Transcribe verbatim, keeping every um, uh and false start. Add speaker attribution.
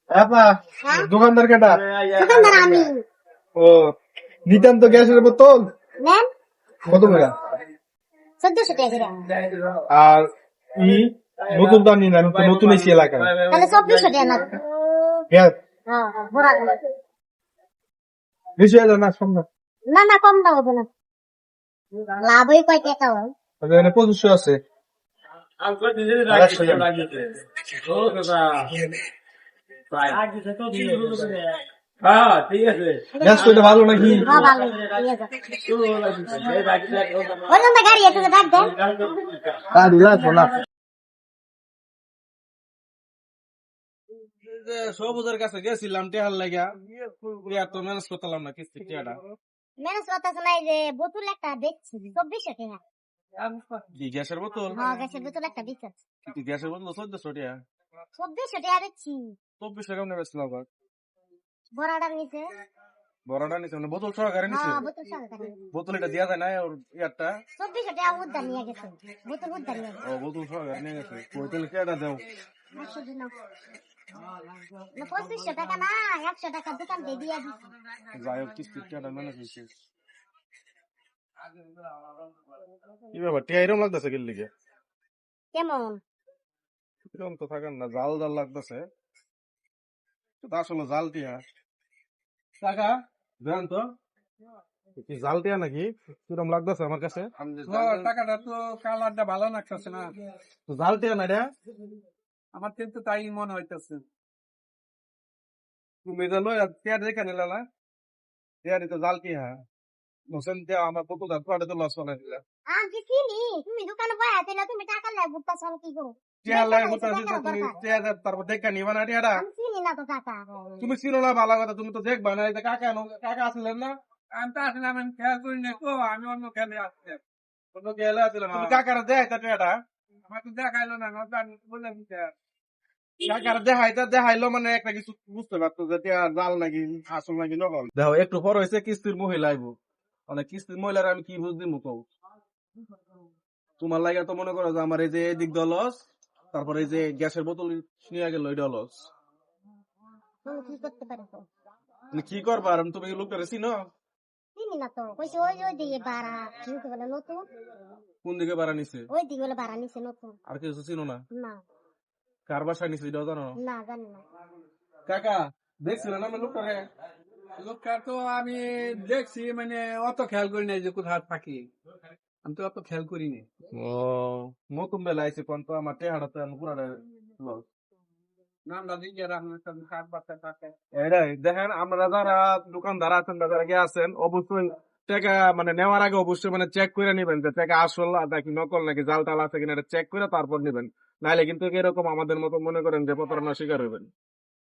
Speaker 1: আপা
Speaker 2: হ্যাঁ?
Speaker 1: দোকানদার কেটা?
Speaker 2: দোকানদার আমি।
Speaker 1: ও নিতান্ত গ্যাসের বোতল
Speaker 2: নেন
Speaker 1: কত করে?
Speaker 2: চোদ্দশো টাকা করে।
Speaker 1: আর ই নতুন তো আনি না, আমি তো নতুন এসি এলাকায়।
Speaker 2: তাহলে চব্বিশশো টাকা না।
Speaker 1: গ্যাস
Speaker 2: হ্যাঁ হ্যাঁ ভরা দিন।
Speaker 1: বেশি হয়ে যায় না, কম না?
Speaker 2: না না কম দাম হবে না। লাভ হয় কয় টাকা হয়?
Speaker 1: তাহলে এখানে পঁচিশশো আছে। আর একশো দেন।
Speaker 3: হ্যাঁ ঠিক আছে
Speaker 1: গ্যাস তো এটা ভালো নাকি?
Speaker 2: হ্যাঁ ভালো নিয়ে যাও। ওই জন্য গাড়ি একটু ডাক দেন।
Speaker 1: তা দিলা শোনা।
Speaker 3: সবুজের কাছে গেছিলাম টেহার লাগা এত ম্যানেজ করতাম না কিস্তি টেহাটা
Speaker 2: মেনস কথা শোনাই যে বোতল একটা দেখছি চব্বিশশো টাকা।
Speaker 3: কি গ্যাসের বোতল
Speaker 2: হ্যাঁ গ্যাসের বোতল একটা বিকাশ
Speaker 3: কি গ্যাসের বোতল চোদ্দশো টাকা
Speaker 2: চব্বিশশো টাকা দেখছি।
Speaker 3: চব্বিশশো কেমন বেচলাম আবার
Speaker 2: বড়াটার নিচে।
Speaker 3: বড়টা নিছে মানে বোতল সহকারে নিছে
Speaker 2: হ্যাঁ বোতল সহকারে।
Speaker 3: বোতল এটা দেওয়া যায় না ওর ইয়ারটা
Speaker 2: চব্বিশশো টাকা উদ্ধার নিয়ে গেছে। বোতল উদ্ধার নিয়ে গেছে।
Speaker 3: ও বোতল সহকারে নিয়ে গেছে বোতল কেটা দেও
Speaker 2: একশো দিন না পঁচিশশো টাকা না একশো টাকা দোকান দিয়ে দিয়ে দিচ্ছি।
Speaker 3: যাই হোক কিস্তি কেটা ম্যানেজ হয়েছে কি ব্যাপার টিয়া এরম লাগতেছে গেল লিগে
Speaker 2: কেমন
Speaker 3: এরকম তো থাকেন না জাল জাল লাগতেছে আসলে জাল টিয়া টাকা দেন তো কি জাল টিয়া নাকি কিরম লাগতেছে আমার কাছে
Speaker 4: টাকাটা তো কালারটা ভালো লাগতেছে না,
Speaker 3: তো জাল টিয়া না রে
Speaker 4: আমার কিন্তু তাই মনে হইতেছে।
Speaker 3: তুমি জানো টিয়া দেখে নিলা না টিয়া তো জাল টিয়া নসেন টিয়া আমার কত দাঁত কাটে তো লস বানাই দিলা
Speaker 2: আমি চিনি তুমি দোকানে বয়া দিলে তুমি টাকা লেগে বুঝতেছ আমি কি করো।
Speaker 3: টিয়া লাগে বুঝতেছি তুমি টিয়া তারপর দেখে নিবা না টিয়াটা
Speaker 2: আমি চিনি না তো টাকা।
Speaker 3: তুমি চিনো না ভালো কথা তুমি তো দেখবা না এই যে কাকা কাকা আসলেন না
Speaker 4: আমি তো আসলে আমি খেয়াল করি না তো, আমি অন্য খেলে আসছি।
Speaker 3: অন্য গেলে আসলেন তুমি কাকারা দেয় তা টিয়াটা
Speaker 4: আমার তো দেখাইলো না, না জানি বললাম কি আর।
Speaker 3: কাকারা দেখাইতে দেখাইলো মানে একটা কিছু বুঝতে পারতো যে টিয়া জাল নাকি আসল নাকি নকল দেখো একটু পর হয়েছে কিস্তির মহিলা আইবো মানে কিস্তির মহিলার আমি কি বুঝ দিমু কও তোমার লাগে তো মনে করো যে আমার এই যে এদিক দল লস তারপরে এই যে গ্যাসের বোতল নিয়ে গেল এটা লস
Speaker 2: তুমি কি করতে পারো তো?
Speaker 3: তুমি কি করবা আর তুমি লোকটা চিনো
Speaker 2: চিনি না তো কইছে ওই ওই দিকে বাড়া কি বলে নতুন
Speaker 3: কোন দিকে বাড়া নিছে
Speaker 2: ওই দিকে বলে বাড়া নিছে নতুন।
Speaker 3: আর কিছু চিনো না
Speaker 2: না
Speaker 3: কার বাসায় নিছে এটাও জানো
Speaker 2: না জানি না।
Speaker 3: কাকা দেখছিল না আমি লোকটা
Speaker 4: লোকটা তো আমি দেখছি, মানে অত খেয়াল করি নাই যে কোথাও থাকি, আমি তো অত খেয়াল করি নি।
Speaker 3: ও নতুন বেলা আইছে কোন তো আমার টেহাটা তো পুরাটা লস
Speaker 4: নামটা দিয়ে রাখলাম সাত বাচ্চা থাকে।
Speaker 3: এটাই দেখেন আমরা যারা দোকানদার আছেন বা যারা গিয়ে আছেন অবশ্যই টাকা মানে নেওয়ার আগে অবশ্যই মানে চেক করে নিবেন যে টাকা আসল নাকি নকল নাকি জাল টাল আছে কিনা এটা চেক করে তারপর নিবেন নাহলে কিন্তু এরকম আমাদের মতো মনে করেন যে প্রতারণার শিকার হইবেন